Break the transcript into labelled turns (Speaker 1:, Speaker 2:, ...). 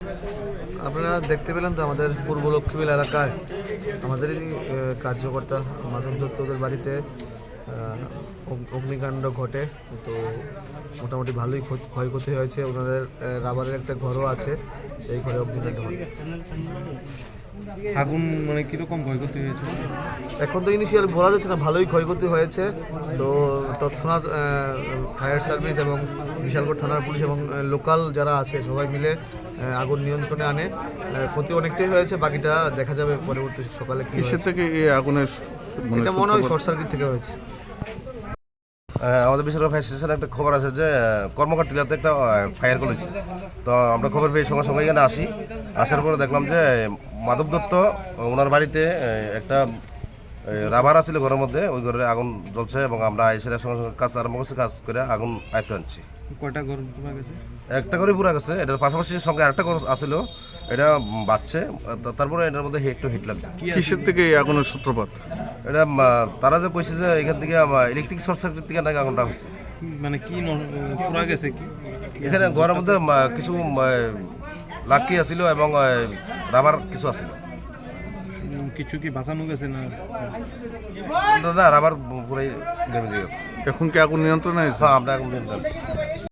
Speaker 1: আপনারা দেখতে পেলেন তো আমাদের পূর্ব লক্ষ্মীবিল এলাকায় আমাদেরই কার্যকর্তা মাধব দত্তদের বাড়িতে অগ্নিকাণ্ড ঘটে। তো মোটামুটি ভালোই ক্ষয়ক্ষতি হয়েছে। ওনাদের রাবারের একটা ঘরও আছে, এই ঘরে অগ্নিকাণ্ড ঘটে।
Speaker 2: আগুন মানে কিরকম ক্ষয়ক্ষতি হয়েছে
Speaker 1: এখন তো ইনিশিয়াল বলা যাচ্ছে না, ভালোই ক্ষয়ক্ষতি হয়েছে। তো তৎক্ষণাৎ ফায়ার সার্ভিস এবং বিশালগড় থানার পুলিশ এবং লোকাল যারা আছে সবাই মিলে আগুন নিয়ন্ত্রণে আনে। ক্ষতি অনেকটাই হয়েছে, বাকিটা দেখা যাবে পরবর্তী সকালে।
Speaker 3: কিসের থেকে এই আগুনের
Speaker 1: এটা মনে হয় শর্ট সার্কিট থেকে হয়েছে।
Speaker 4: আমাদের বিশালগড় ফায়ার স্টেশনে একটা খবর আছে যে কর্মকার টিলাতে একটা ফায়ার করেছে। তো আমরা খবর পেয়ে সঙ্গে সঙ্গে এখানে আসার পরে দেখলাম যে মাধব দত্ত ওনার বাড়িতে একটা রাবার আছিল ঘরের মধ্যে, ওই ঘরে আগুন জ্বলছে এবং আমরা এসে সঙ্গে সঙ্গে কাজ আরম্ভ করছি, কাজ করে আগুন আয়ত্তে আনছি।
Speaker 2: কয়টা ঘর পুরা গেছে?
Speaker 4: একটা করে পুরা গেছে, এটার পাশাপাশি সঙ্গে আরেকটা ঘর আসছিল, এটা বাঁচছে। তারপরে এটার মধ্যে হিট লাগছে।
Speaker 3: কিসের থেকে এই আগুনের সূত্রপাত?
Speaker 4: এটা তারা যে কইছে যে এখান থেকে ইলেকট্রিক শর্ট সার্কিট থেকে নাকি আগুনটা হচ্ছে।
Speaker 2: মানে কি পুরা গেছে কি?
Speaker 4: এখানে ঘরের মধ্যে কিছু লাকি আছিল এবং রাবার কিছু আছিল।
Speaker 2: কিছু কি বাঁচানো গেছে না?
Speaker 4: না, রাবার পুরাই ড্যামেজ হয়ে গেছে।
Speaker 3: এখন কি আগুন নিয়ন্ত্রণে আছে?
Speaker 4: হ্যাঁ, আমরা এখন